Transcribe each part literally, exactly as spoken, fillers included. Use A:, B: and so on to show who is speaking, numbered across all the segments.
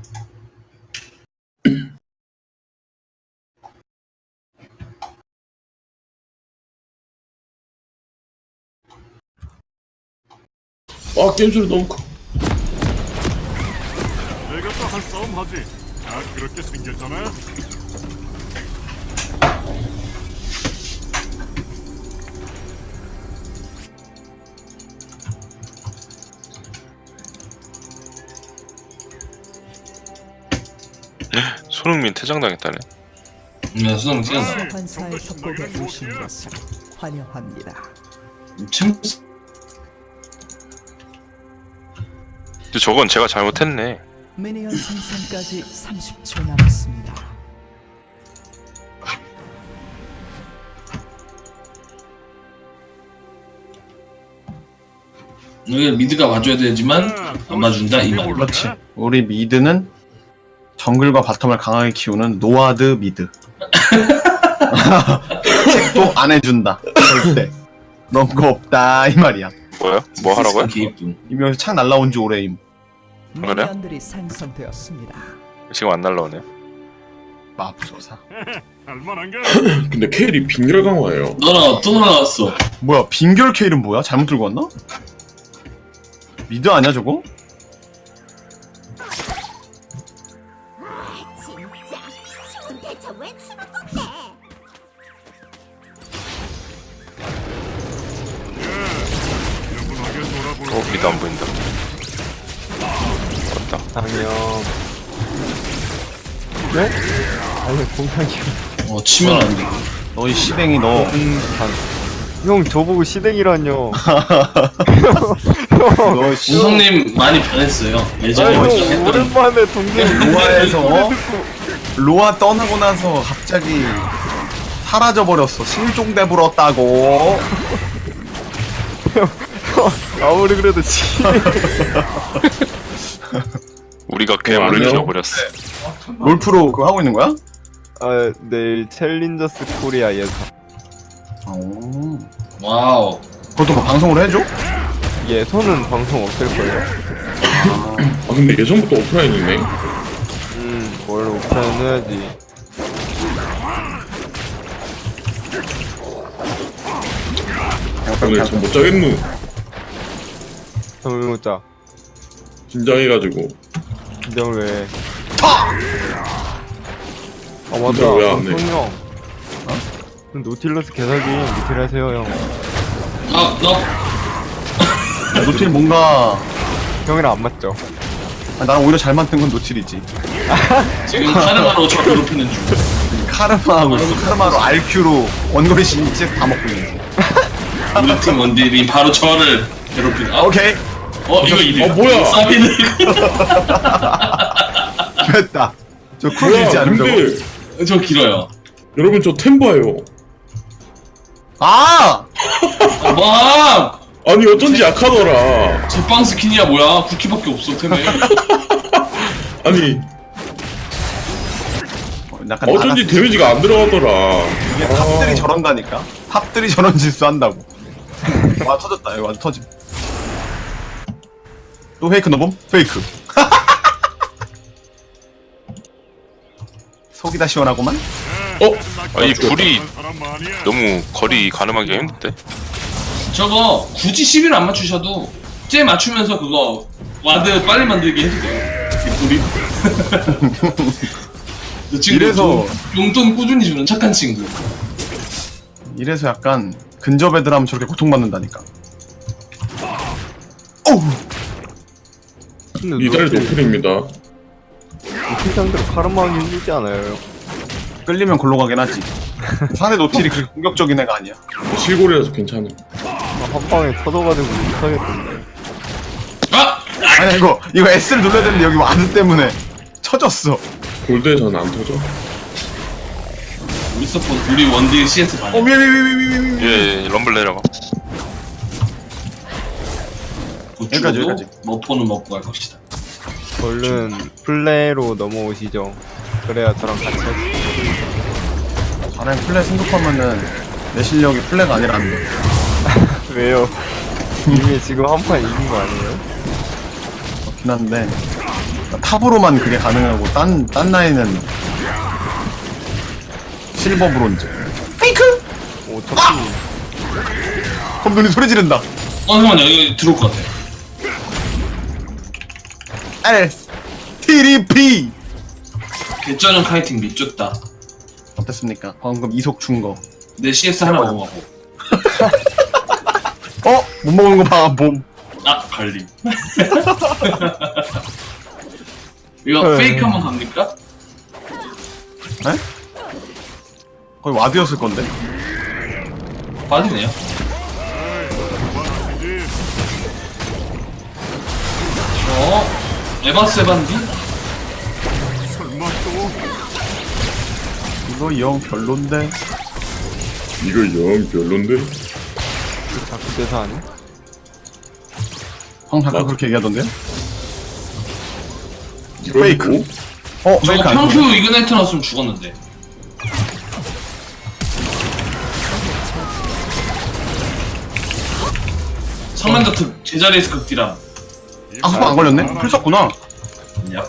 A: 아 게임 소리 너무 커.
B: 내가 또 한 싸움 하지. 아 그렇게 생겼잖아.
C: 손흥민 퇴장당했다네.
D: 네, 수능 뛰었어.
E: 환사의 협곡에 오신 것을 환영합니다.
D: 참,
C: 근데 저건 제가 잘못했네.
E: 미니언 생성까지 삼십 초 남았습니다.
D: 여기 미드가 와줘야 되지만 안 봐준다 이 말.
A: 그렇지. 우리 미드는 정글과 바텀을 강하게 키우는 노아드 미드. 책도 안 해준다. 절대. 그런 거 없다 이 말이야.
C: 뭐야? 뭐 하라고요?
D: 개이쁨.
A: 이명에서 창 날라온 지 오래임.
C: 그래요?
E: 미니언들이 생성되었습니다.
C: 지금 안 날라오네요.
A: 맙소사.
B: 할만한가?
F: 근데 케일이 빈결 강화예요.
D: 너랑 또 나왔어.
A: 뭐야 빈결 케일은 뭐야? 잘못 들고 왔나? 미드 아니야 저거?
G: 진짜 지금 대체 왜 치는 건데?
B: 여분하게 돌아볼.
C: 어, 미드 안 보인다. 왔다.
H: 당연. 네? 아니 공상이요.
D: 어 치면 안 돼.
A: 너희 시댕이 너
H: 형 저보고 시댁이란요.
A: 너 씨,
D: 우성님 많이 변했어요. 예전에
H: 아니 형
D: 했던
H: 오랜만에 동생
A: 로아에서 로아 떠나고 나서 갑자기 사라져 버렸어. 실종돼 불었다고.
H: 아무리 그래도 시.
C: 우리가
F: 어,
C: 괴물을
F: 아니요.
C: 지어버렸어.
A: 롤프로 그거 하고 있는 거야?
H: 아 내일 챌린저스 코리아 예상.
A: 오.
D: 와우.
A: 그것도 뭐 방송으로 해줘?
H: 예선은 방송 없을 거예요.
F: 아 근데 예전부터 오프라인이네.
H: 음 원래 오프라인 해야지.
F: 오늘 잠 못 자겠누.
H: 잠을 못 자.
F: 긴장해가지고.
H: 긴장을 왜? 아 맞다.
F: 긴장 왜안 해?
H: 성이 형. 어? 노틸러스 개사기 노틸 하세요 형.
D: 아 너.
A: 야, 노틸 뭔가
H: 형이랑 안 맞죠?
A: 아, 나랑 오히려 잘 맞는 건 노틸이지.
D: 지금 카르마로 저 괴롭히는 중.
A: 카르마하고 카르마로 알큐로 원거리 신체 다 먹고 있는 거.
D: 우리 팀 원딜이 바로 저를 괴롭히는. 아,
A: 오케이.
D: 어 이거 이래.
F: 어, 뭐야?
D: 사비는.
A: 됐다. 저 쿨
F: 뭐야
A: 길지 않은 저거.
F: 근데
D: 저 길어요.
F: 여러분 저 템바예요.
A: 아!
D: 와.
F: 아니 어쩐지 약하더라.
D: 제빵 스킨이야 뭐야? 쿠키밖에 없어 템에.
F: 아니
A: 어, 약간
F: 어쩐지
A: 나갔어.
F: 데미지가 안 들어가더라.
A: 이게 탑들이 저런다니까. 탑들이 저런 짓수 한다고. 와 터졌다. 이거 완전 터짐. 또 페이크 넣어봄? 페이크. 속이 다 시원하구만.
F: 어?
C: 아, 이 불이
B: 사람 많이야.
C: 너무 거리 가늠하기가 힘든데?
D: 저거 굳이 십일 안 맞추셔도 쟤 맞추면서 그거 와드 빨리 만들게 해도 돼요. 우리. 저 친구
A: 이래서-
D: 용- 용돈 꾸준히 주는 착한 친구.
A: 이래서 약간 근접 애들 하면 저렇게 고통받는다니까. 어우!
H: 근데
F: 미달
H: 노틸
F: 노플입니다.
H: 노틸 상대로 카르마 하기 힘들지 않아요?
A: 끌리면 골로 가긴 하지. 상대 노틸이 그렇게 공격적인 애가 아니야.
F: 실골이라서 괜찮아.
H: 아, 한 방에 터져가지고 못하겠던데.
D: 아!
A: 아니 이거 이거 S를 눌러야 되는데 여기 와드 때문에 쳐졌어.
F: 골드에서는 안 터져.
D: 우리 서포 우리 원딜 씨에스
A: 어
D: 반야.
A: 위에 위에 위에 위에 위에 위에.
C: 예, 예, 럼블 내려가.
A: 여기까지, 여기까지.
D: 머포는 먹고 갈 것이다.
H: 얼른 플레이로 넘어오시죠. 그래야 저랑 같이 하시.
A: 잘해 플레이 생각하면은 내 실력이 플레이가 아니라는 거.
H: 왜요? 이미 지금 한 판 이긴 거 아니에요?
A: 그렇긴 한데 탑으로만 그게 가능하고 딴, 딴 라인은 실버 브론즈. 페이크!
H: 어차피
A: 그럼 눈이 소리 지른다.
D: 어 잠깐만요 이거 들어올 것 같아.
A: 에스 티디피
D: 개쩌는 카이팅 미쳤다.
A: 어땠습니까? 방금 이속 준 거.
D: 내 씨에스 하나 먹어보고.
A: 어? 못 먹은 거 봐, 봄.
D: 아 갈림. 이거 페이크 한번 갑니까?
A: 에? 거의 와드였을 건데.
D: 빠지네요.
B: 그만하시지.
D: 어 에바스 에반디?
B: 설마 또
A: 이거 영 별론데.
F: 이거 영 별론데?
H: 자꾸 대사 아니?
A: 형 아까
F: 맞아.
A: 그렇게 얘기하던데요?
F: 이거
A: 페이크.
F: 뭐?
A: 어,
D: 저거
A: 페이크 안
D: 평큐
A: 돼.
D: 이그나이트 나왔으면 죽었는데. 성난자 특 제자리에서 극디람.
A: 아, 소금 안 걸렸네? 풀 썼구나.
D: 야.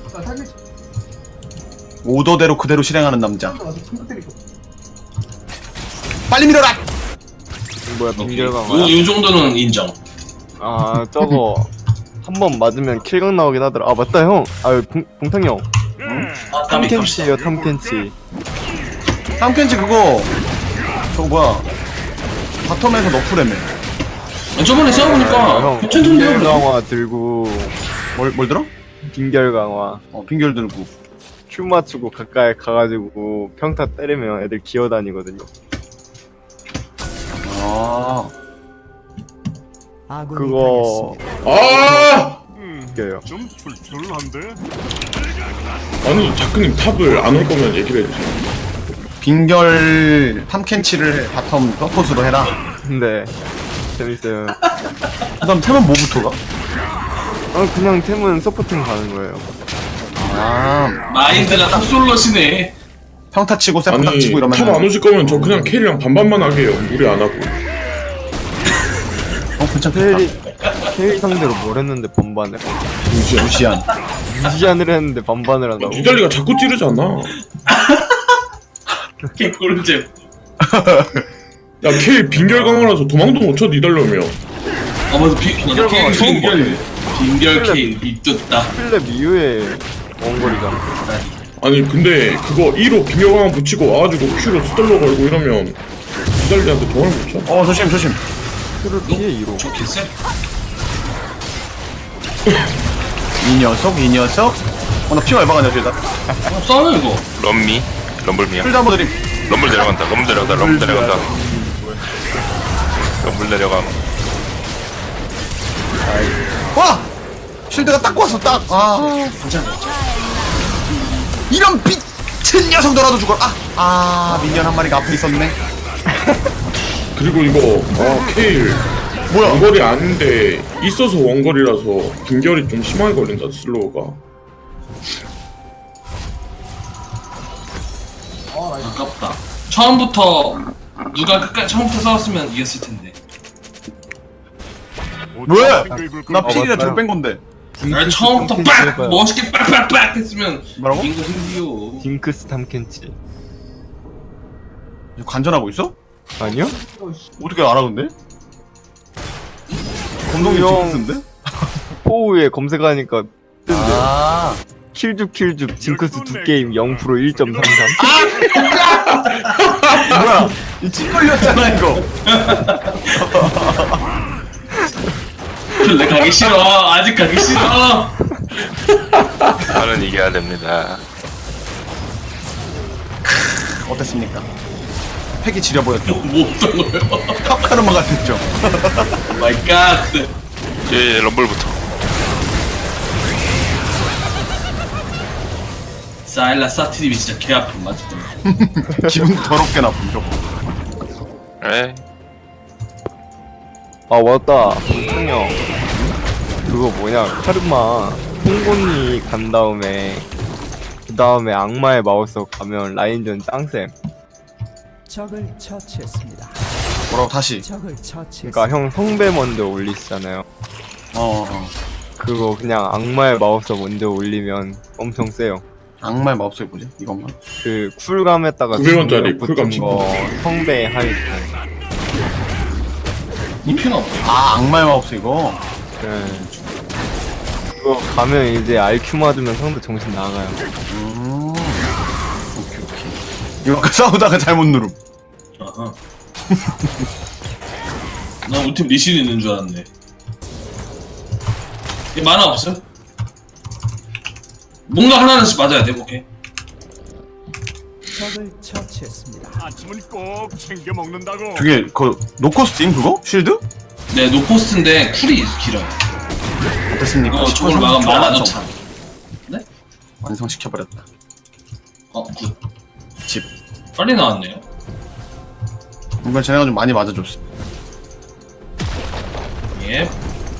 A: 오더대로 그대로 실행하는 남자. 빨리 밀어라!
H: 뭐야
D: 오케이.
H: 빙결강화.
D: 요, 요 정도는 인정.
H: 아 저거 한 번 맞으면 킬각 나오긴 하더라. 아 맞다 형. 아 봉, 봉탕 형.
D: 아, 땀이 땀.
H: 탐켄치예요 탐켄치.
A: 탐켄치 그거 저거 뭐야 바텀에서 너프레메.
D: 아, 저번에
H: 아,
D: 싸워보니까
H: 형
D: 괜찮던데요?
H: 빙결
D: 그래도?
H: 강화 들고
A: 뭘, 뭘 들어?
H: 빙결 강화.
A: 어 빙결 들고.
H: 큐 맞추고 가까이 가가지고 평타 때리면 애들 기어다니거든요.
A: 아
E: 아군이
H: 그거
E: 당했습니다.
F: 아!
H: 이겨요.
B: 좀 출출한데?
F: 아니 자크님 탑을 안 올 거면 얘기를 해주세요.
A: 빙결 탐켄치를 바텀 서폿으로 해라.
H: 근데 재밌어요.
A: 그 다음 템은 뭐부터 가?
H: 아 그냥 템은 서포팅 가는 거예요.
A: 아
D: 마인드가 탑솔러시네.
A: 평타 치고 세프딱
F: 아니
A: 치고 이러면
F: 탑 안 오실 거면 저 그냥 캐리랑 반반만 하게 해요. 무리 안 하고.
A: 어 괜찮겠다.
H: 케일 케일 상대로 뭘 했는데 반반을?
F: 무시야.
A: 루시안.
H: 무시안을 했는데 반반을 한다고?
F: 니달리가 자꾸 찌르잖아.
D: 개꿀잼.
F: 야 케일 빙결 강화라서 도망도 못 쳐 니달려면.
D: 아 맞아 비, 맞아
H: 빙결
D: 케인
H: 처음
D: 빙결 빙결 케인 미쳤다.
H: 필렙 이후에 원거리잖아.
F: 아니 근데 그거 이로 빙결 강화 붙이고 와가지고 Q로 스떨러 걸고 이러면 니달리한테 도망을 못 쳐.
A: 어 조심 조심.
H: 큐를 피해 이로.
D: 저 개쎄?
A: 이 녀석 이 녀석. 어나 피가 얼마가냐 일단.
D: 어, 싸워요 이거.
C: 럼미 럼블미야.
A: 풀 잡아 드림.
C: 럼블 내려간다. 럼블 내려간다. 럼블 내려간다. 럼블 내려감.
A: 와! 쉴드가 딱 왔어 딱. 아
D: 괜찮아.
A: 이런 미친 녀석더라도 죽어. 아, 아 미니언 한 마리가 앞에 있었네.
F: 그리고 이거 아 케일
A: 뭐야?
F: 원거리 아닌데 있어서 원거리라서 빙결이 좀 심하게 걸린다 슬로우가.
D: 아깝다. 처음부터 누가 끝까지 처음부터 싸웠으면 이겼을 텐데.
A: 왜?
B: 빙글빙글
A: 나 필이라
H: 맞아요.
A: 저뺀 건데.
D: 날 처음부터 빡 멋있게 빡빡빡 했으면
A: 뭐라고?
D: 이긴 거 힘들요.
H: 딩크스 탐켄치.
A: 관전하고 있어?
H: 아니요?
A: 어떻게 알아 근데? 검동이
H: 형.
A: 징크스인데?
H: 포우에 검색하니까 뜨는데
A: 아
H: 킬줍 킬줍 징크스 두 게임 영 퍼센트 일 점 삼삼.
A: 뭐야? 이 찌걸렸잖아 이거.
D: 내 가기 싫어. 아직 가기 싫어.
C: 나는 이겨야 됩니다.
A: 어땠습니까? 팩이 지려 보였죠.
D: 뭐 어떤 거요?
A: 탑카르마 같았죠.
D: 마이 갓.
C: 예, 럼블부터.
D: 사일라 사티님이 진짜 개 아픈 맞지?
A: 기분 더럽게 나쁜 저거.
C: 에
H: 아 맞다. 형형 그거 뭐냐 카르마 홍곤이 간 다음에 그 다음에 악마의 마우스 가면 라인전 짱쌤.
E: 적을 처치했습니다.
A: 뭐라고 다시?
E: 적을 처치했습니다.
H: 그러니까 형 성배 먼저 올리시잖아요.
A: 어. 어.
H: 그거 그냥 악마의 마법사 먼저 올리면 엄청 세요.
A: 악마의 마법사이 뭐지? 이건가?
H: 그 쿨감에다가
F: 구백 원짜리
H: 붙은
F: 쿨감
H: 거 성배 하이트.
D: 이 필요 없어.
A: 아 악마의 마법사 이거?
H: 네. 그거 가면 이제 알큐 맞으면 상대 정신 나가요.
A: 음 오케이 오케이 이거 아까 싸우다가 잘못 누름
D: 아하. 나 우리 팀 리신 있는 줄 알았네. 얘 만화 없어? 뭔가 하나씩 맞아야 돼, 오케이.
E: 적을 처치했습니다.
B: 아침은 꼭 챙겨 먹는다고.
A: 저게 그 노코스팀 그거? 쉴드?
D: 네, 노포스트인데 쿨이 길어요.
A: 어땠습니까?
D: 이거 저걸 막으면 만화도 참. 네?
A: 완성시켜버렸다
D: 어, 굿.
A: 집
D: 빨리 나왔네요.
A: 이번 쟤네가 좀 많이 맞아줬어
D: 예.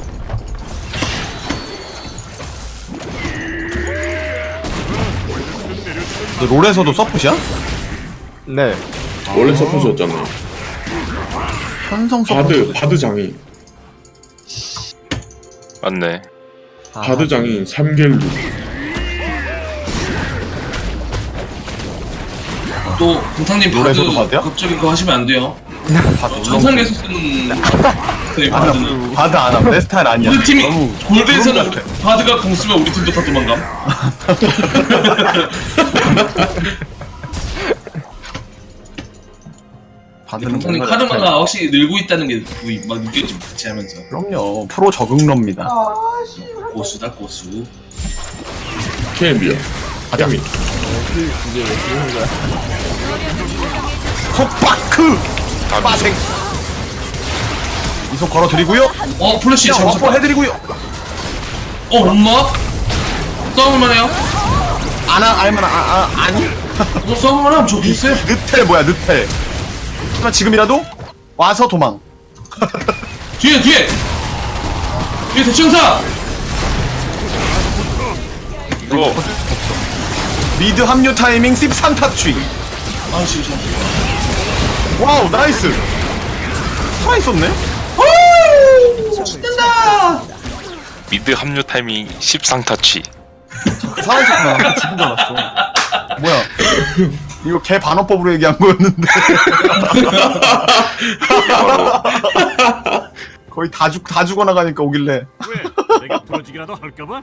A: 너 롤에서도 서폿이야?
H: 네.
F: 원래 서포트였잖아요.
A: 현성
F: 바드
A: 서폿
F: 바드 장인
C: 맞네.
H: 아,
F: 바드 장인 삼겔루.
D: 또 공탕님 바드
A: 롤에서도 바드야?
D: 갑자기 그거 하시면 안 돼요.
A: 바드
D: 정상에서 쓰는 네,
A: 아, 나
D: 바드는
A: 바드 안함 내 스타일 아니야
D: 우리 팀이
A: 너무
D: 골드에서는
A: 구름 같아.
D: 바드가 공 쓰면 우리 팀도 다 도망감.
A: 바드는
D: 공탕님
A: 뭔가 스타일.
D: 카르마가 확실히 늘고 있다는 게 막 느껴지고 같이 하면서
A: 그럼요 프로 적응러입니다
D: 고수다 고수.
F: 케미야. 케미.
A: 속바크 빠생 이속 걸어드리고요
D: 어 플래시
A: 그냥
D: 잘못
A: 와퍼 해드리고요
D: 어 엄마 싸움을만 해요?
A: 아나 알만아 아, 아, 아니
D: 어 싸움을만 하면 저 비슷해요.
A: 느텔 뭐야 느텔 하지만 지금이라도 와서 도망
D: 뒤에 뒤에 뒤에 대천사.
C: 이거
A: 미드 합류 타이밍 십삼 타취
D: 아씨 씨.
A: 와우 나이스 살아있었네
C: 미드 합류 타이밍 십상 타치.
A: 살아있었구나 나 죽은 줄 알았어 뭐야 이거 개 반어법으로 얘기한 거였는데 거의 다, 죽, 다 죽어나가니까 오길래
B: 왜? 내가 부러지기라도 할까봐?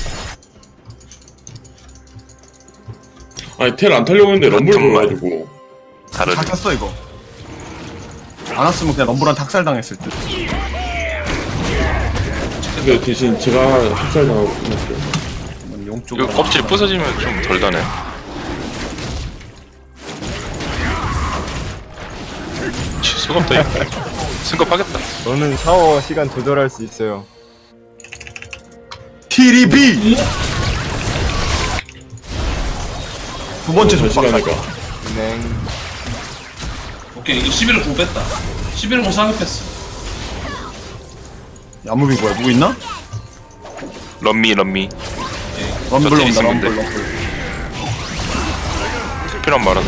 F: 아니 텔 안 타려고 했는데 럼블
C: 정말.
F: 보여가지고.
C: 다르네.
A: 잘 탔어 이거 안 왔으면 그냥 럼블한 탁살당했을 듯
F: 근데 대신 제가 흡살 당하고 끝났어요.
A: 용
C: 이거
A: 쪽으로
C: 껍질 부서지면 좀 덜 다네. 수가 없다 이거. 승급하겠다.
H: 저는 샤워 시간 조절할 수 있어요.
A: 티리비 두 번째
F: 저
A: 속박
F: 시간이가.
H: 네.
D: 오케이 이거 십일을 공 뺐다. 십일을 공 사격했어.
A: 야무비 뭐야 누구 있나?
C: 럼미 럼미.
A: 럼블
C: 저
A: 온다
C: 있으면
A: 럼블
C: 돼.
A: 럼블
C: 필요한 말하자.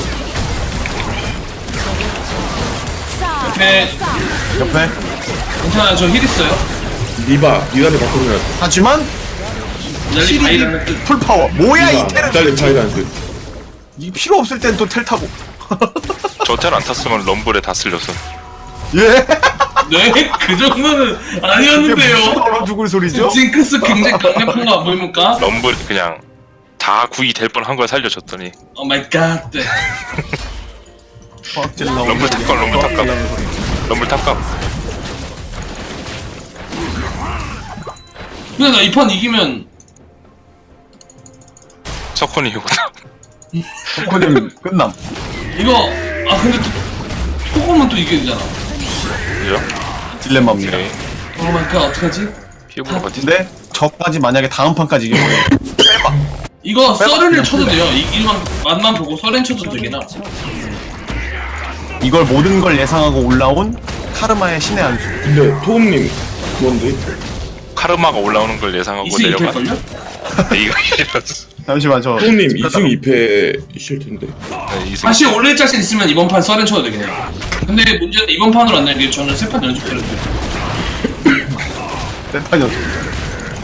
D: 옆에
A: 옆에
D: 괜찮아요. 저 힐 있어요.
F: 니바 니달리 바꾸면
A: 하지만
D: 날리 바이라는 뜻.
A: 풀파워 뭐야 이
F: 니바
A: 텔은
F: 니달리 차이라는
A: 이 필요 없을 땐 또 텔 타고
C: 저 텔 안 탔으면 럼블에 다 쓸렸어.
A: 예?
D: 네? 그 정도는
A: 이게 무슨
D: 아니었는데요.
A: 얼어 죽을 소리죠?
D: 징크스 굉장히 강력한 거 안 보입니까?
C: 럼블 그냥 다 구이 될 뻔한 걸 살려줬더니
D: 오 마이 갓. 네.
A: 화학질 나오고
C: 럼블 탑감, 럼블 탑감. 럼블 탑감.
D: 근데 나 이 판 이기면
C: 석훈이 이거다.
A: 코코님 끝남
D: 이거 아 근데 또 토고만 또 이겨야 되잖아.
C: 그죠?
A: 딜레마입니다
C: 오케이.
D: 오 마이 갓 어떡하지?
C: 피부로 버티.
A: 근데 저까지 만약에 다음 판까지 이겨버려
D: 이거 서른을 쳐도 돼요. 이기만 맛만 보고 서른 쳐도 되긴 하.
A: 이걸 모든 걸 예상하고 올라온 카르마의 신의 한 수.
F: 근데 토음님 그건데
C: 카르마가 올라오는 걸 예상하고
D: 이승
C: 내려가.
D: 이길걸요?
C: 이거 이랬어.
A: 잠시만 저
F: 토음님 이승 이패이실 텐데.
C: 네, 이승.
D: 다시 올릴 자신 있으면 이번 판 서른 쳐도 되긴 해요. 근데 문제는 이번 판으로 안 내는 게 저는 세 판 연속 때렸어요.
A: 세판 연속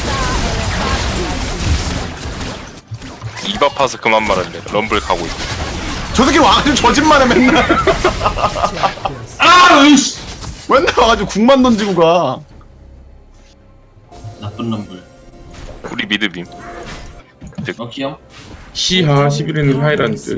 C: 입 아파서 그만 말할래. 럼블 가고 있고.
A: 저 새끼 와가지고 저짓만 해 맨날.
D: 아, 으이씨.
A: 맨날 와가지고 국만 던지고 가.
D: 나쁜 놈들.
C: 우리 미드빔.
D: 럭키 형.
F: 시하 십일 회는 하이란드.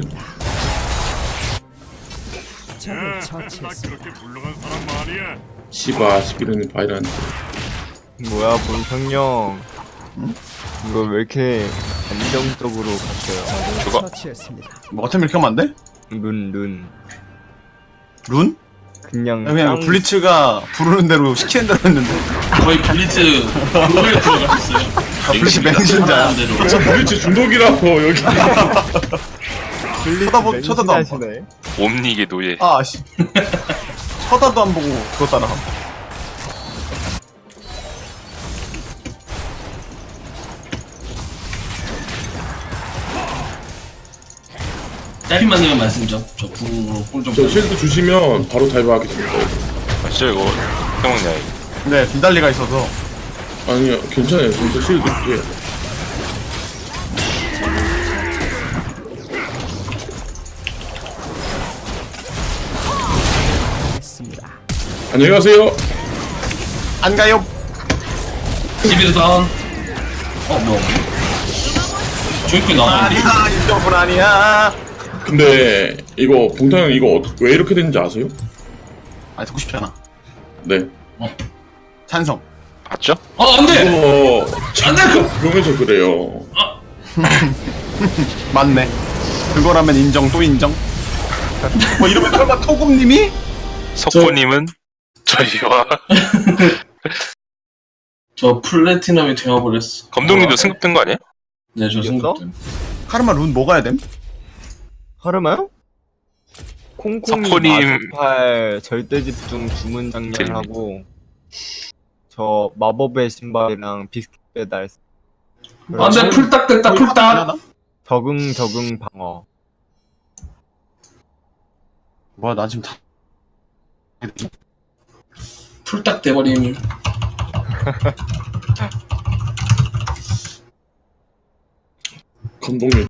E: 적을
B: 야, 나
E: 처치했습니다.
B: 그렇게 물러간 사람 말이야.
F: 시바 십일 회는 바이란드.
H: 뭐야 본성형. 이거 왜 이렇게 안정적으로 갔어요?
E: 적을
C: 저거.
E: 처치했습니다.
A: 뭐 같은 이렇게 하면 안 돼?
H: 룬 룬.
A: 룬?
H: 그냥
A: 그냥
H: 짱-
A: 블리츠가 부르는 대로 시키는 대로 했는데.
D: 거의 블리츠 그거에 들어가셨어요.
A: 아, 블리츠 맹신자야.
D: 하는 대로.
F: 저 블리츠 중독이라고 여기.
H: 블리츠
A: 쳐다보- 쳐다도 안 봐.
H: 맹신하시네.
C: 옴닉의 노예.
A: 아 씨. 쳐다도 안 보고 그거 따라가.
D: 짧게 만들면 말씀 좀. 저 궁으로 꿀좀
F: 저 실드 주시면 바로 달바하겠습니다.
C: 아, 진짜 이거 해먹냐 이거.
A: 네, 빈달리가 있어서.
F: 아니요, 괜찮아요. 진짜 실드 줄게요.
E: 했습니다.
F: 안녕히 가세요.
A: 안 가요.
D: 십일 다운. 어, 뭐. 저기 나왔는데?
A: 아니야, 인정은 아니야.
F: 근데 이거 봉타 형 이거 어- 왜 이렇게 됐는지 아세요?
A: 아, 듣고 싶지 않아.
F: 네.
A: 찬성.
C: 봤죠?
D: 어, 안 돼!
F: 이거
D: 안 돼! 그-
F: 그러면서 그래요.
A: 맞네. 그거라면 인정 또 인정. 뭐 이러면 설마 토금님이?
C: 석호님은 저희와
D: 저 플래티넘이 되어버렸어.
C: 검동님도 승급된 거 아니야?
D: 네, 저
H: 이겼어?
D: 생각.
A: 카르마 룬 뭐 가야 됨?
H: 하르마요? 콩콩이
C: 석호님.
H: 마주팔 절대 집중 주문 장렬하고 저 마법의 신발이랑 비스킷 배달
D: 안 돼, 풀딱 됐다, 풀딱!
H: 적응 적응 방어.
A: 뭐야, 나 지금 다.
D: 풀딱 돼버림.
F: 감독님